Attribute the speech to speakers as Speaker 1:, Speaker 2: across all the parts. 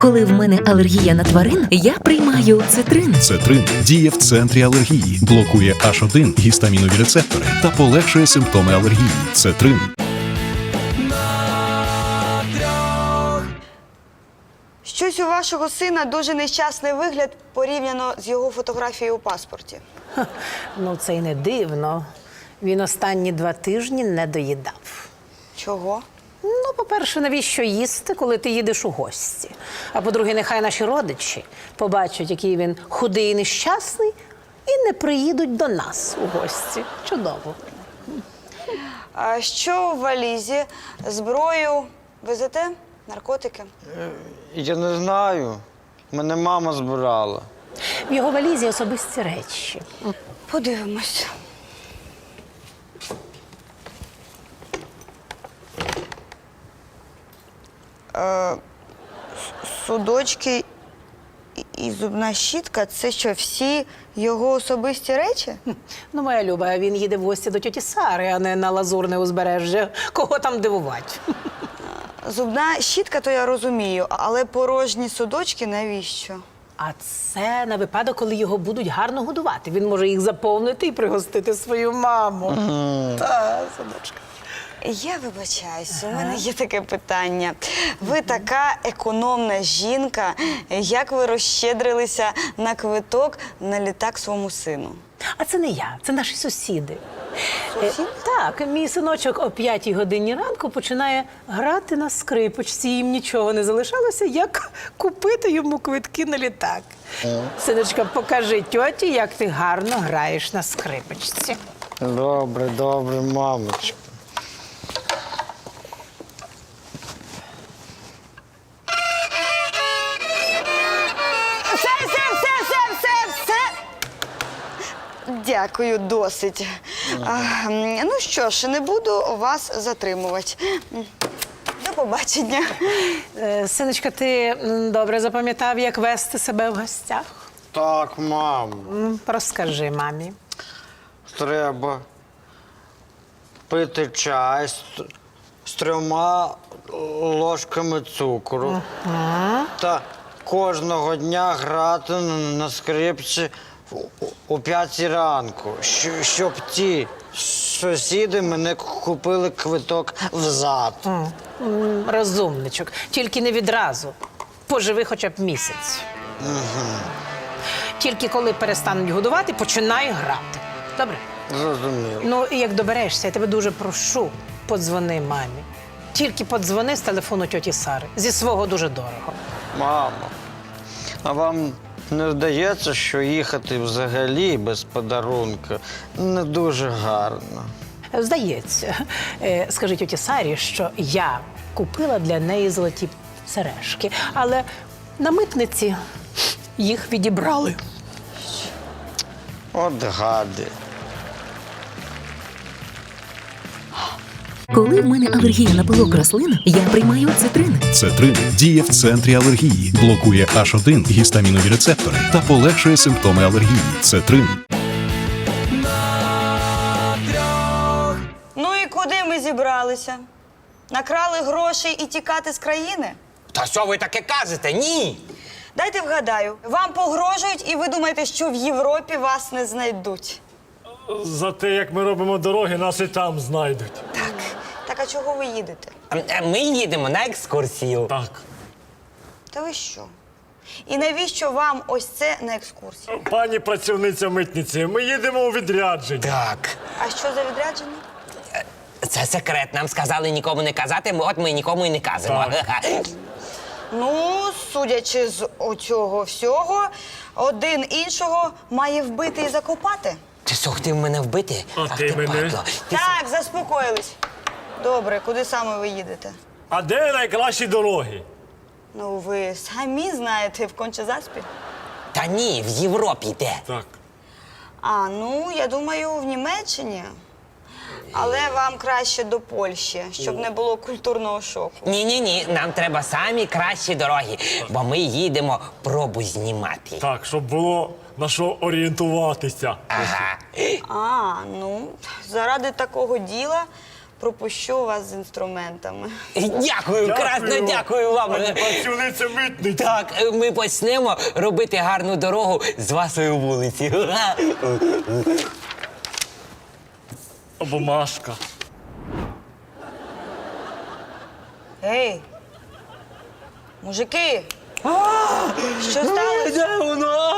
Speaker 1: Коли в мене алергія на тварин, я приймаю цитрин.
Speaker 2: Цетрин діє в центрі алергії, блокує H1 гістамінові рецептори та полегшує симптоми алергії. Цетрин.
Speaker 3: Щось у вашого сина дуже нещасний вигляд порівняно з його фотографією у паспорті.
Speaker 4: Ну, це й не дивно. Він останні 2 тижні не доїдав.
Speaker 3: Чого?
Speaker 4: Ну, по-перше, навіщо їсти, коли ти їдеш у гості? А по-друге, нехай наші родичі побачать, який він худий і нещасний, і не приїдуть до нас у гості. Чудово.
Speaker 3: А що в валізі? Зброю везете? Наркотики?
Speaker 5: Я не знаю. Мене мама збирала.
Speaker 4: В його валізі особисті речі.
Speaker 3: Подивимось. Судочки і зубна щітка – це що, всі його особисті речі?
Speaker 4: Ну, моя Люба, він їде в гості до тьоті Сари, а не на Лазурне узбережжя. Кого там дивувати?
Speaker 3: Зубна щітка, то я розумію, але порожні судочки навіщо?
Speaker 4: А це на випадок, коли його будуть гарно годувати. Він може їх заповнити і пригостити свою маму. Та, садочка.
Speaker 3: Я вибачаюсь, у мене є таке питання. Ви така економна жінка, як ви розщедрилися на квиток на літак своєму сину?
Speaker 4: А це не я, це наші сусіди.
Speaker 3: Сусіди?
Speaker 4: Так, мій синочок о 5-й годині ранку починає грати на скрипочці. Їм нічого не залишалося, як купити йому квитки на літак. Синочка, покажи тьоті, як ти гарно граєш на скрипочці.
Speaker 5: Добре, добре, мамочка.
Speaker 3: Все! Дякую, досить. Ну що ж, не буду вас затримувати. До побачення.
Speaker 4: Синочка, ти добре запам'ятав, як вести себе в гостях?
Speaker 5: Так, мамо.
Speaker 4: Розкажи мамі.
Speaker 5: Треба пити чай з 3 ложками цукру. Та кожного дня грати на скрипці о 5 ранку, щоб ті сусіди мене купили квиток взад.
Speaker 4: Розумничок. Тільки не відразу. Поживи хоча б місяць. Тільки коли перестануть годувати, починай грати. Добре?
Speaker 5: Зрозуміло.
Speaker 4: Ну, і як доберешся, я тебе дуже прошу, подзвони мамі. Тільки подзвони з телефону тьоті Сари. Зі свого дуже дорого.
Speaker 5: Мамо, а вам не здається, що їхати взагалі без подарунка не дуже гарно?
Speaker 4: Здається. Скажи тьоті Сарі, що я купила для неї золоті сережки, але на митниці їх відібрали.
Speaker 5: От гади.
Speaker 1: Коли в мене алергія на пилок рослин, я приймаю цитрин.
Speaker 2: Цетрин діє в центрі алергії, блокує H1 гістамінові рецептори та полегшує симптоми алергії. Цетрин.
Speaker 3: Ну і куди ми зібралися? Накрали грошей і тікати з країни?
Speaker 6: Та що ви таке кажете? Ні!
Speaker 3: Дайте вгадаю, вам погрожують і ви думаєте, що в Європі вас не знайдуть?
Speaker 7: За те, як ми робимо дороги, нас і там знайдуть.
Speaker 3: Так а чого ви їдете?
Speaker 6: Ми їдемо на екскурсію.
Speaker 7: Так.
Speaker 3: Та ви що? І навіщо вам ось це на екскурсії?
Speaker 7: Пані працівниця митниці, ми їдемо у відрядження.
Speaker 6: Так.
Speaker 3: А що за відрядження?
Speaker 6: Це секрет. Нам сказали нікому не казати, от ми нікому і не кажемо.
Speaker 3: Ну, судячи з оцього всього, один іншого має вбити і закопати.
Speaker 6: Ти що, хотів мене вбити?
Speaker 7: А
Speaker 6: Ах,
Speaker 7: ти мене?
Speaker 6: падло. Ти
Speaker 3: Так, заспокоїлись. Добре, куди саме ви їдете?
Speaker 7: А де найкращі дороги?
Speaker 3: Ну, ви самі знаєте, в Конча-Заспі.
Speaker 6: Та ні, в Європі йде.
Speaker 7: Так.
Speaker 3: А, ну, я думаю, в Німеччині. Але вам краще до Польщі, щоб не було культурного шоку.
Speaker 6: Ні, нам треба самі кращі дороги, бо ми їдемо пробу знімати.
Speaker 7: Так, щоб було на що орієнтуватися.
Speaker 6: Ага.
Speaker 3: А, ну, заради такого діла пропущу вас з інструментами.
Speaker 6: Дякую, красно дякую вам.
Speaker 7: Працівниця митниці.
Speaker 6: Так, ми почнемо робити гарну дорогу з вашої вулиці.
Speaker 7: Або Машка.
Speaker 3: Ей! Мужики! Що сталося?
Speaker 6: Де воно?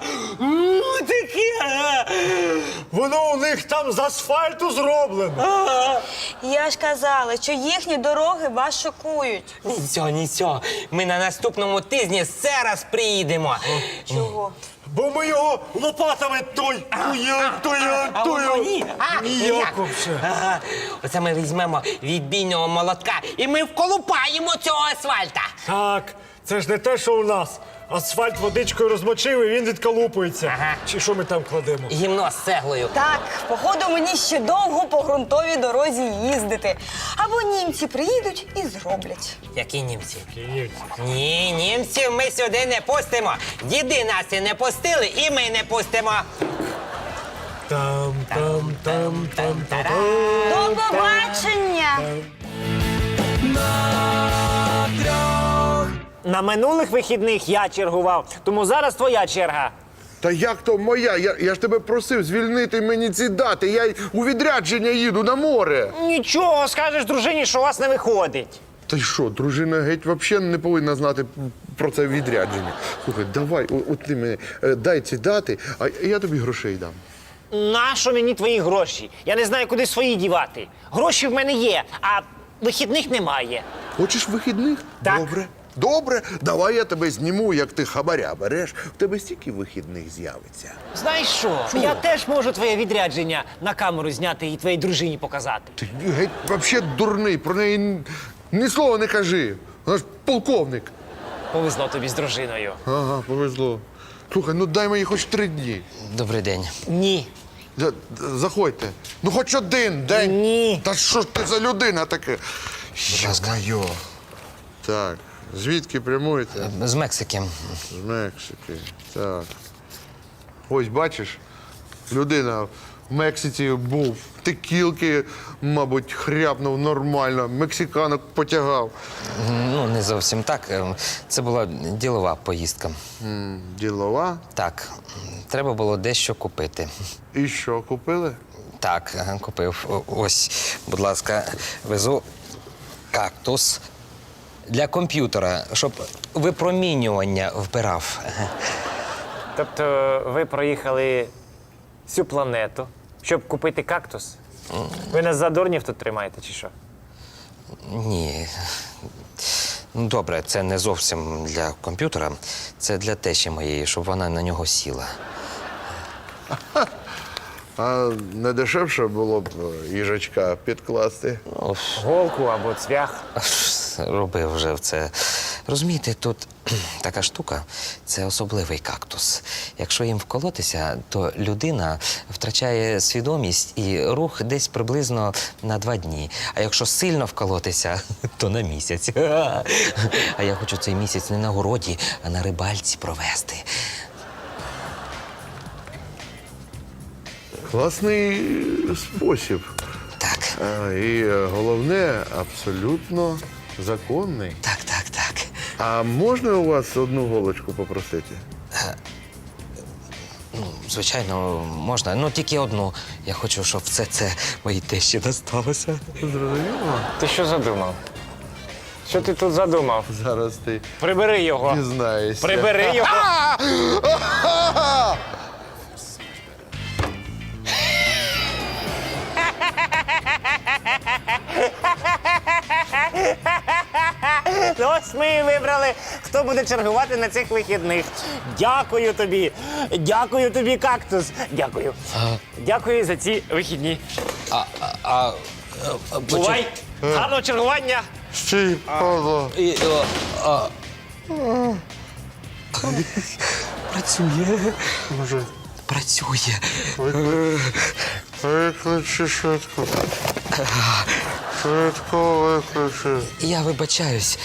Speaker 6: Таке.
Speaker 7: Воно у них там з асфальту зроблено.
Speaker 3: Я ж казала, що їхні дороги вас шокують.
Speaker 6: Нічого. Ми на наступному тижні ще раз приїдемо.
Speaker 3: Чого?
Speaker 7: Бо ми його лопатами тую.
Speaker 6: А воно ні?
Speaker 7: Ніяк вообще.
Speaker 6: Ага. Оце ми візьмемо відбійного молотка і ми вколупаємо цього асфальта.
Speaker 7: Так, це ж не те, що у нас. Асфальт водичкою розмочив і він відколупується.
Speaker 6: Ага.
Speaker 7: Чи що ми там кладемо?
Speaker 6: Гімно з цеглою.
Speaker 3: Так, походу мені ще довго по ґрунтовій дорозі їздити. Або німці приїдуть і зроблять.
Speaker 6: Які німці?
Speaker 7: Київці.
Speaker 6: Ні, німців ми сюди не пустимо. Діди нас і не пустили, і ми не пустимо.
Speaker 7: Там.
Speaker 3: До побачення!
Speaker 8: На минулих вихідних я чергував, тому зараз твоя черга.
Speaker 9: Та як то моя? Я ж тебе просив звільнити мені ці дати. Я у відрядження їду на море.
Speaker 8: Нічого, скажеш дружині, що у вас не виходить.
Speaker 9: Та й що, дружина геть взагалі не повинна знати про це відрядження. Слухай, давай, от ти мені дай ці дати, а я тобі грошей дам.
Speaker 8: Нащо мені твої гроші? Я не знаю, куди свої дівати. Гроші в мене є, а вихідних немає.
Speaker 9: Хочеш вихідних?
Speaker 8: Так.
Speaker 9: Добре. Добре, давай я тебе зніму, як ти хабаря береш. В тебе стільки вихідних з'явиться.
Speaker 8: Знаєш що? Я теж можу твоє відрядження на камеру зняти і твоїй дружині показати.
Speaker 9: Ти геть взагалі дурний, про неї ні слова не кажи. Вона ж полковник.
Speaker 8: Повезло тобі з дружиною.
Speaker 9: Ага, повезло. Слухай, ну дай мені хоч 3 дні.
Speaker 6: Добрий день.
Speaker 8: Ні.
Speaker 9: Заходьте. Ну хоч один день.
Speaker 8: Ні.
Speaker 9: Та що ж ти за людина таке? Йо-моє. Так, звідки прямуєте?
Speaker 6: З Мексики.
Speaker 9: З Мексики. Так. Ось бачиш, людина в Мексиці був, текілки, мабуть, хряпнув нормально, мексиканок потягав.
Speaker 10: Ну, не зовсім так. Це була ділова поїздка.
Speaker 9: Ділова.
Speaker 10: Так, треба було дещо купити.
Speaker 9: І що, купили?
Speaker 10: Так, купив. Ось, будь ласка, везу кактус для комп'ютера, щоб випромінювання вбирав.
Speaker 8: Тобто ви проїхали всю планету, щоб купити кактус? Ви нас за дурнів тут тримаєте, чи що?
Speaker 10: Ні. Ну, добре, це не зовсім для комп'ютера, це для тещі моєї, щоб вона на нього сіла.
Speaker 9: А не дешевше було б їжачка підкласти?
Speaker 8: Голку або цвях.
Speaker 10: Робив вже це. Розумієте, тут така штука – це особливий кактус. Якщо їм вколотися, то людина втрачає свідомість і рух десь приблизно на 2 дні. А якщо сильно вколотися, то на місяць. А я хочу цей місяць не на городі, а на рибальці провести.
Speaker 9: Класний спосіб.
Speaker 10: Так,
Speaker 9: І головне, абсолютно законний.
Speaker 10: так.
Speaker 9: А можна у вас одну голочку попросити?
Speaker 10: Звичайно, можна. Ну, тільки одну. Я хочу, щоб все це моїй тещі досталося.
Speaker 9: Зрозуміло?
Speaker 8: Ти що задумав? Що ти тут задумав?
Speaker 9: Зараз ти
Speaker 8: Прибери його.
Speaker 9: дізнаєшся.
Speaker 8: Прибери його. Ну, ось ми і вибрали, хто буде чергувати на цих вихідних. Дякую тобі. Дякую тобі, кактус. Дякую. Дякую за ці вихідні. Бувай. Гарного чергування.
Speaker 9: Стій, Павло.
Speaker 10: Працює.
Speaker 9: Може,
Speaker 10: Працює.
Speaker 9: викличе швидко. Швидко викличе.
Speaker 10: Я вибачаюсь.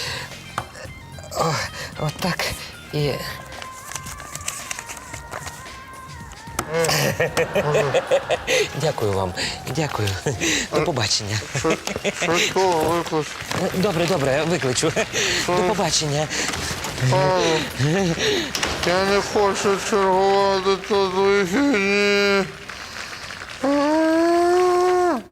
Speaker 10: Отак і. Дякую вам. Дякую. До побачення.
Speaker 9: Швидкого виклич.
Speaker 10: Добре, викличу. До побачення.
Speaker 9: Я не хочу чергувати тут вихідні.